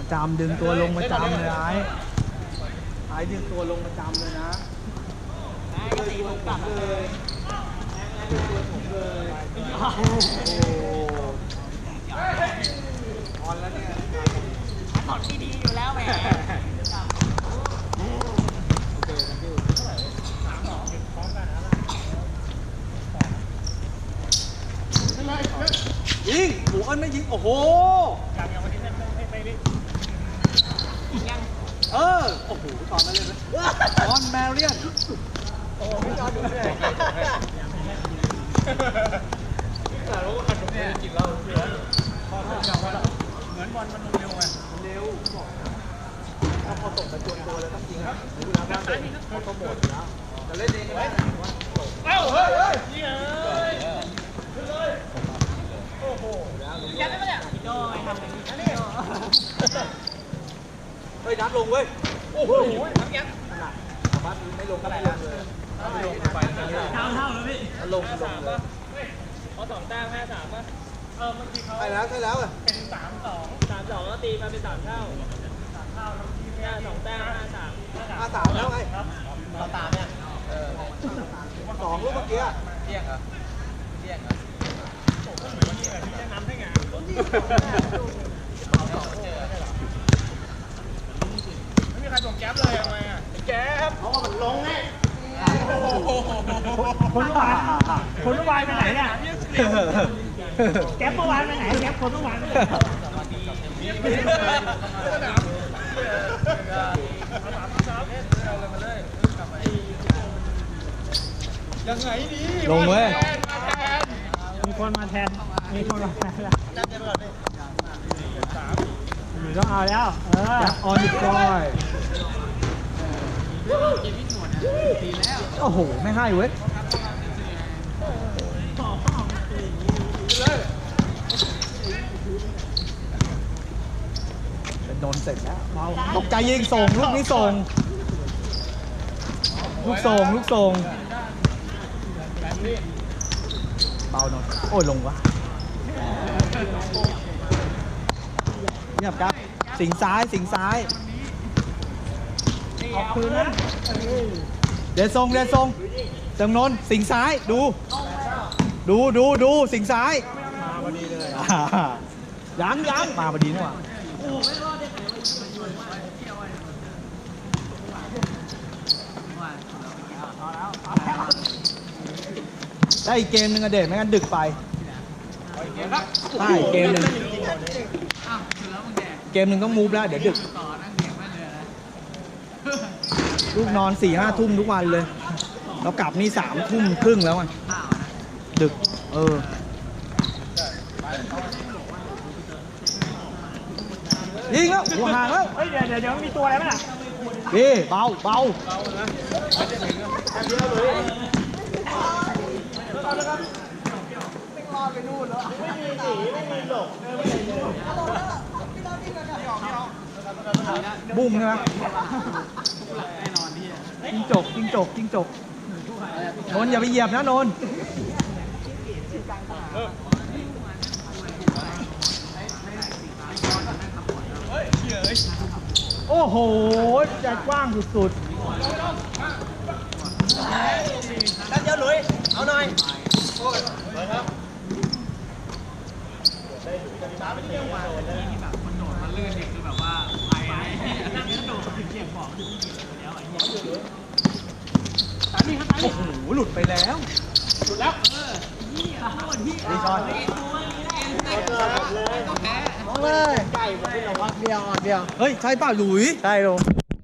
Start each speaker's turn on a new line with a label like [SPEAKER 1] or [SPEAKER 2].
[SPEAKER 1] จำดึงตัวลงประจำเลยไอ้ดึงตัวลงประจำเลยนะก็ตีผมกลับเลยตัวผมเลยโอ้ออนแล้วเนี่ย
[SPEAKER 2] ถอดดีๆอยู่แล้วแหม
[SPEAKER 1] ยิงหมูเอิญไม่ยิงโอ้โหโอ้โหตอนนั้นเลยออนแมเรียนโอ้พี่จอดูเลยแต่รู้ว่าเนี่ยกินเหล้าเหมือนบอลมันเร็วไงเร็วบอกถ้าพอตกไปจวนตัวเลยต้องยิงครับดูแล้วว่าเขาโปรโมทแล้วจะเล่นเองก็ได้เอ้าเฮ้ยยิงเลยขึ้นเลยโอ้โหยัดได้ไหมเนี่ยพี่โจ้ทำอย่างนี้นี่เฮ้ยน้ำลงเว้ยโอ้โหน้ำยัดบ้านไม่ลงก็ไม่ลงเลยไม่ลงไปเท่าแล้วพี่ลงป่ะเขา2 แต้มแม่3ป่ะเมื่อกี้เขาใช่แล้วเป็น3-2แล้วตีมาเป็น3 เท่าแล้วที่แม่2 แต้ม5-3แล้วไงเราตามเนี่ย2 ลูกเมื่อกี้เที่ยงเหรอน้ำให้งานไม่มีใครส่งแก๊ปเลยทำไมอ่ะแก๊ปเพราะว่ามันลงไง
[SPEAKER 3] คนเมื่อวานไปไหนเนี่ยแก๊ปเมื่อวานไปไหนแก๊ปคนเมื่อวาน
[SPEAKER 1] ยังไงดี
[SPEAKER 3] ลงเว้ยมีคนมาแทนแล้วต้องเอาแล้ว
[SPEAKER 1] ออนดิคอยโอ้โหไม่ให้เว้ยเป็นโดนเสร็จแล้วตกใจยิงส่งลูกนี้ส่งลูกส่งเบาหน่อยโอ้ยลงวะเงียบครับสิงซ้าย
[SPEAKER 3] ออกคืนนะ
[SPEAKER 1] เดี๋ยวส่งจำนนสิงซ้ายดูสิงซ้ายมาพอดีเลยยังมาพอดีนี่หว่าได้อีกเกมนึงอะเด็ดไม่งั้นดึกไปใช่เกมนึงต้องมูฟแล้วเดี๋ยวดึกลูกนอน 4-5 ทุ่มทุกวันเลยเรากลับนี่3 ทุ่มครึ่งแล้วอ่ะดึกยิงแล้วหัวห่างแล้ว
[SPEAKER 3] เฮ้ยเดี๋ยวมีตัวอะไรไหมล่ะ
[SPEAKER 1] เบาบุ้มใช่ไหมจิ้งจกนนอย่าไปเหยียบนะนนโอ้โหใจกว้างสุด
[SPEAKER 2] ด้านเดียวหลุยเอาหน่อยครับ
[SPEAKER 1] โอ้โหหลุดไปแล้วดีชอน
[SPEAKER 3] เลยไก่ผมเป็นหลอกเดียว
[SPEAKER 1] เฮ้ยใช่ป่ะหลุย
[SPEAKER 3] ใช่ลง